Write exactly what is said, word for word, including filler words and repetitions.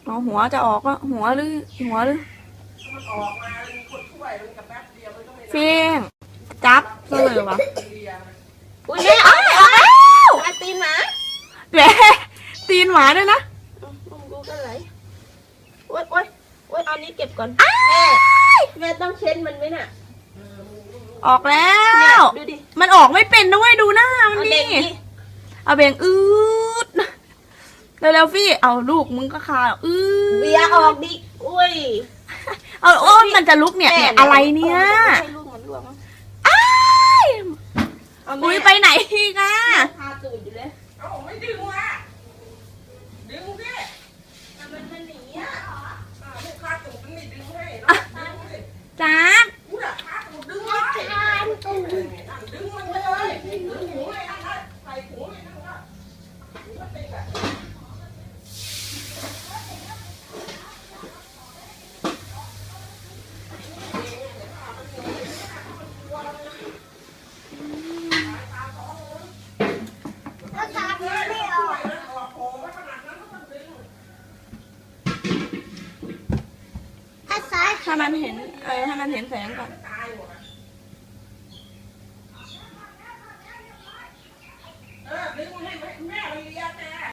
เอาหัวจะออกแล้วหัวหรือหัวหรือมันออกมามีคนช่วยมันกับแป๊บเดียวมันก็ไม่เฟียงจับซะเลยวะอุ้ยแม่ออกแล้วอาตีนหมาแหมตีนหมาด้วยนะมึงกูกันไหลโอ๊ยโอ๊ยโอ๊ยเอานี้เก็บก่อนแม่แม่ต้องเช็ดมันไหมน่ะออกแล้เนี่ยว ดูดิมันออกไม่เป็นด้วยดูหน้ามันเอาดิเด็กดิเอาเบ่งอืดเร็วๆฟี่เอาลูกมึงก็คาอืดเบียร์ออกดิอุ้ยเอาโอ้ยมันจะลุกเนี่ยเนี่ยอะไรเนี่ยให้ลูกมันล่วงมั้งอ้ายเอาแม่อุ้ยไปไหนอีกอ่ะพาตูดอยู่เลยเอ้าไม่ดึงว่ะดึงสิแต่มันมันหนีอ่ะอ่าลูกค้าตูดมันไม่ดึงให้เนาะดึงสิจับกูน่ะค้าตูดดึงไว้นั่นดึงมันเลยดึงหูเลยนั่นนะใส่หูเลยนั่นนะหูมันติดอ่ะแล้วตาไม่ออก ถ้าซ้ายให้มันเห็นเออให้มันเห็นแสงก่อนเออดึงให้แม่